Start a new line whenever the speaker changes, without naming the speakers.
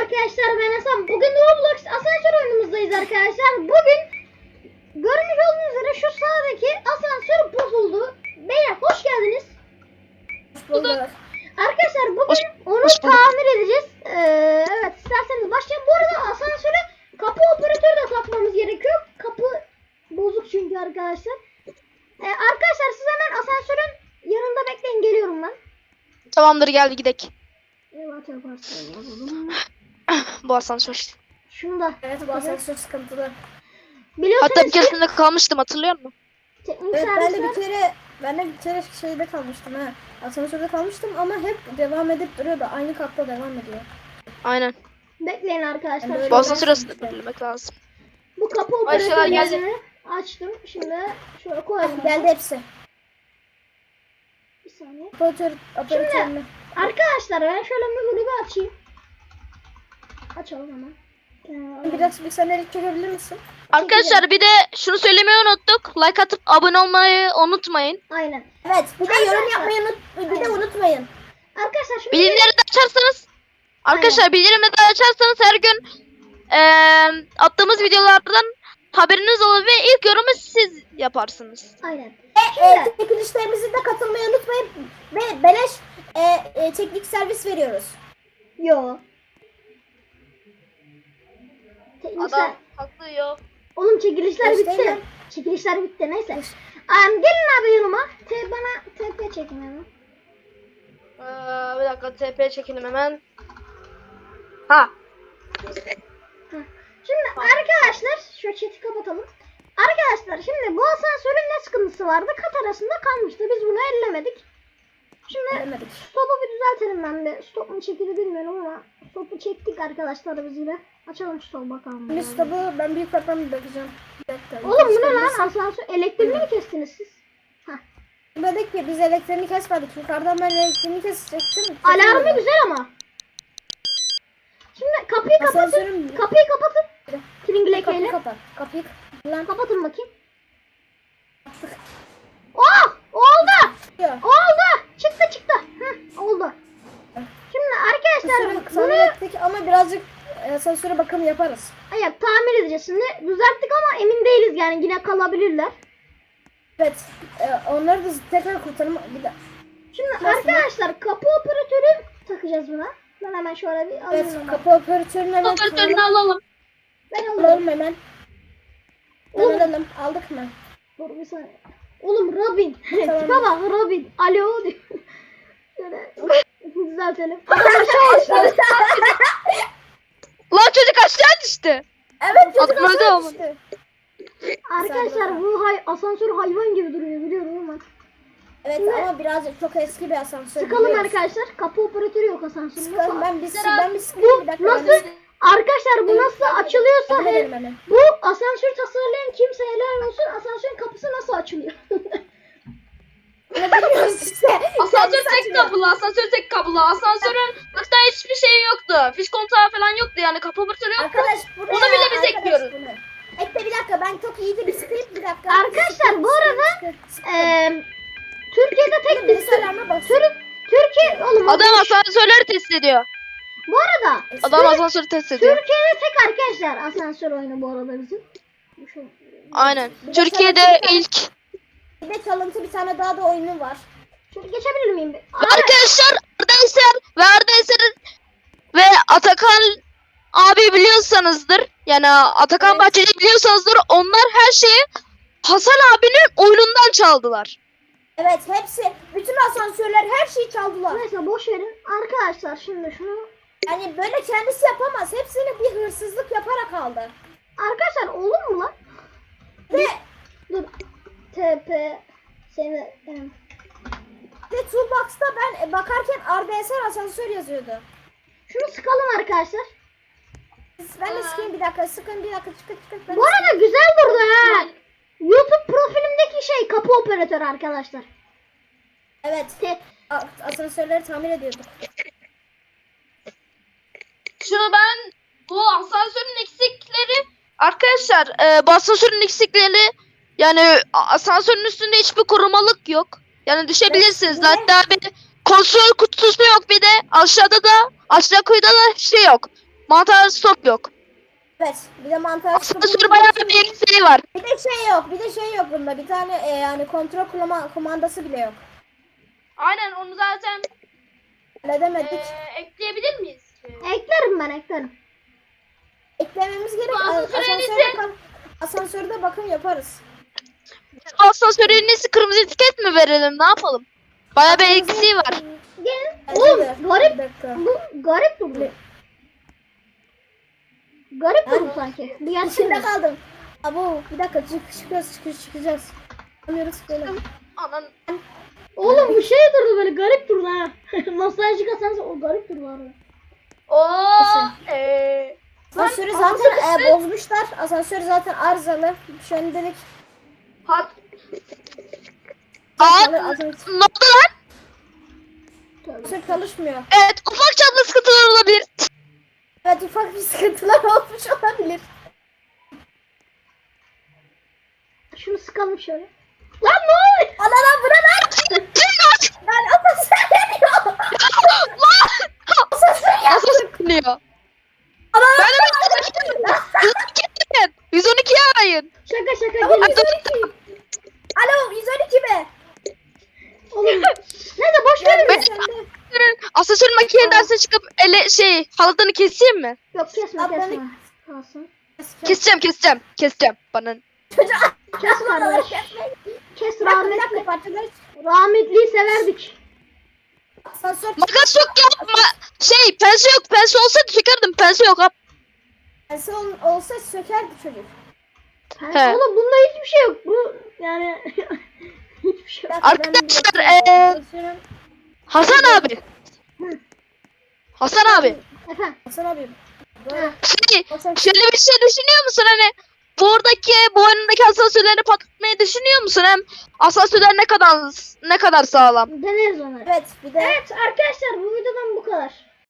arkadaşlar, ben Hasan. Bugün Roblox asansör oyunumuzdayız arkadaşlar. Bugün görmüş olduğunuz üzere şu sağdaki asansör bozuldu. Beyler hoş geldiniz.
Hoş bulduk.
Arkadaşlar bugün onu tamir edeceğiz. Evet, isterseniz başlayalım. Bu arada asansöre kapı operatörü de takmamız gerekiyor. Kapı bozuk çünkü arkadaşlar. Arkadaşlar siz hemen asansörün yanında bekleyin, geliyorum ben.
Tamamdır, geldi gidek.
Evet, yaparsın.
Bu asansör.
Şunu da.
Evet, bu asansör sıkıntılı.
Biliyorsunuz
Hatta bir
ki
keresinde kalmıştım, hatırlıyor musun?
teknik
Evet,
servisler...
ben de bir kere şeyde kalmıştım ha. Asansörde kalmıştım ama hep devam edip duruyordu. Aynı katta devam ediyor.
Aynen.
Bekleyin arkadaşlar.
Yani
Bu
öyle
asansör
ben
aslında
işte.
belirlemek lazım.
Bu kapı
Aşağıya geldi.
operatörünü açtım. Şimdi şöyle koyalım.
Geldi hepsi.
Bir saniye.
Operatörünü.
Arkadaşlar ben şöyle mühürü bir açayım. Açalım hemen.
Biraz bir senelik çekebilir misin?
Arkadaşlar bir de şunu söylemeyi unuttuk. Like atıp abone olmayı unutmayın.
Aynen.
Evet, bir de yorum yapmayı unutmayın.
Arkadaşlar şimdi
Bildirimleri de açarsanız bildirimleri de açarsanız her gün attığımız videolardan haberiniz olur ve ilk yorumu siz yaparsınız.
aynen.
Çekilişlerimize de katılmayı unutmayın. Ve beleş teknik servis veriyoruz.
Yo. Teknikler.
haklı yok.
Oğlum çekilişler
Göstereyim
bitti.
mi?
Çekilişler bitti, neyse. Gelin abi yanıma. Bana TP çekin hemen.
Bir dakika, TP çekelim hemen. Ha.
Şimdi arkadaşlar şu chat'i kapatalım. Arkadaşlar şimdi bu asansörün ne sıkıntısı vardı? Kat arasında kalmıştı. Biz bunu ellemedik. Şimdi
Demedik.
stopu bir düzeltelim ben de. Stop mu çekildi bilmiyorum ama stopu çektik arkadaşlar biz yine. Açalım stopu bakalım.
Bir stopu ben büyük farktan bir bakacağım. Bir dakika.
Oğlum bu ne lan, asansör? Elektriğini mi kestiniz siz?
Dedik ki biz elektriğini kesmedik. Yukarıdan ben elektriğini kesecektim.
Alarmı güzel ama. Şimdi kapıyı kapatın.
Asansörün-
Kapıyı kapatın. Tringlekeyle.
Kapıyı kapat. Kapıyı lan
Kapatın bakayım. Oh! Oldu!
kapatıyor.
Oldu! Çıktı. Hı, oldu. Şimdi arkadaşlar
Sonra
bunu
ettik ama birazcık asansöre bakım yaparız.
tamir edeceğiz şimdi. Düzelttik ama emin değiliz yani, yine kalabilirler.
Evet. Onları da tekrar kurtarım. Bir de.
Şimdi
Nasıl?
arkadaşlar kapı operatörü takacağız buna. Ben hemen şöyle bir alayım.
Evet.
onu.
Kapı operatörünü hemen
Operatörünü alalım.
Ben alayım.
alalım hemen.
Oğlum,
Alalım. Aldık mı?
dur bir saniye. Oğlum Robin.
Tamam.
Tipe bak Robin. Alo diyor. Şöyle düzeltelim. Adam aşağı düştü.
Lan çocuk aşağı düştü.
Evet. Çocuk
Atmadı
aşağı
ama.
düştü.
Arkadaşlar bu asansör hayvan gibi duruyor biliyorum ama.
Evet
Şimdi-
ama birazcık çok eski bir asansör.
Sıkalım
biliyoruz.
arkadaşlar. Kapı operatörü yok asansörün.
Sıkalım. Ben bir
Bu
sıkayım bir dakika.
nasıl? Arkadaşlar bu nasıl açılıyorsa
Yardım edelim hemen.
bu asansör tasarlayan kimse helal olsun, asansörün kapısı nasıl açılıyor?
Ne biliyoruz işte.
Asansör tek kapılı, Asansörün hatta hiçbir şey yoktu. Fiş kontağı falan yoktu, yani kapı operatörü yoktu.
Arkadaş buraya.
Onu bile biz
arkadaş
ekliyoruz.
bunu. Ekle bir dakika, ben çok iyiydi bir sıkayım bir dakika.
Arkadaşlar bu arada Türkiye'de tek
birisi alarma basıyor.
Türkiye oğlum
Adam asansörleri test ediyor.
bu arada
Adam asansörü test ediyor.
Türkiye'de tek arkadaşlar asansör oyunu bu arada bizim.
Aynen.
Bir de
Türkiye'de
çalıntı
ilk.
Bir de çalıntı bir tane daha da oyunu var.
Şöyle geçebilir miyim?
Arkadaşlar Arda Eser ve Atakan abi biliyorsanızdır. Yani Atakan
Evet.
Bahçeli biliyorsanızdır. Onlar her şeyi Hasan abinin oyunundan çaldılar.
Evet hepsi, bütün asansörler her şeyi çaldılar.
Neyse boş verin. Arkadaşlar şimdi şunu
Yani böyle kendisi yapamaz. Hepsini bir hırsızlık yaparak aldı.
arkadaşlar olur mu lan?
Ve
Dur. TP seni
Ve Toolbox'ta ben bakarken Arda Eser asansör yazıyordu.
şunu sıkalım arkadaşlar.
Ben de sıkayım bir dakika, sıkın bir dakika, çıkın. Ben
Bu arada güzel durdu ha. YouTube profilimdeki şey kapı operatörü arkadaşlar.
Evet, asansörleri tamir ediyorduk.
Şunu ben bu asansörün eksikleri arkadaşlar bu asansörün eksikleri yani asansörün üstünde hiçbir korumalık yok. Yani düşebilirsiniz.
Ne?
Hatta bir kontrol kutusu yok, bir de aşağıda da aşağı kuyuda da şey yok. Mantar stop yok.
Evet. Bir de mantar
Asansör bayağı bir eksiği var.
Bir de şey yok bunda. Bir tane yani kontrol kumandası bile yok.
Aynen onu zaten
Halledemedik.
ekleyebilir miyiz?
Eklerim ben eklerim.
Eklememiz gerek. Asansörde bakım yaparız.
Asansörün nesi kırmızı etiket mi verelim ne yapalım? Bayağı bir eksiği var.
Gelin.
Bence
Oğlum
de.
garip.
Bir dakika.
Bu garip durdu. Garip durdu sanki. Bir
İçinde
gelsene.
kaldım. Abo bir dakika çıkacağız. Anlıyoruz böyle.
Anan.
Oğlum bu şey durdu böyle garip durdu ha. Nostaljik asansör o garip durdu arada.
Asansörü zaten bozmuşlar. Asansör zaten arızalı. Şu an dedik. Asansör
Ne oldu lan?
çalışmıyor.
Evet ufak çaplı sıkıntılar olabilir.
Evet ufak bir sıkıntılar olmuş olabilir.
Şunu sıkalım şöyle. Lan ne oluyor?
Ana lan bura lan. Lan asansör yanıyor. Asansör yanıyor.
Nasıl sıkılıyor?
Ana
Ben de 112 arayın.
Şaka geliyor.
Alo 112 mi?
Oğlum. Neyse boş verin.
Ben- Asansör makineden çıkıp halatını keseyim mi?
Yok kesme
Ablanı-
kesme. Kalsın.
Keseceğim. Bana.
Kes kardeş. Kes rahmetli.
Parçaları
Rahmetliyi severdik.
asansör
Makas yok yapma. Pense yok. Pense olsaydı sökerdim. Pense yok.
olsa sökerdi çocuk.
He.
Oğlum bunda hiçbir şey yok. Bu yani hiçbir şey yok.
Arkadaşlar, Hasan abi.
Efendim.
Hasan abi. Böyle.
Şöyle bir şey düşünüyor musun hani bu oyundaki asansörleri patlatmayı düşünüyor musun? Hem asansörler ne kadar sağlam.
Deneriz onları.
Evet bir de
Evet arkadaşlar bu videodan bu kadar.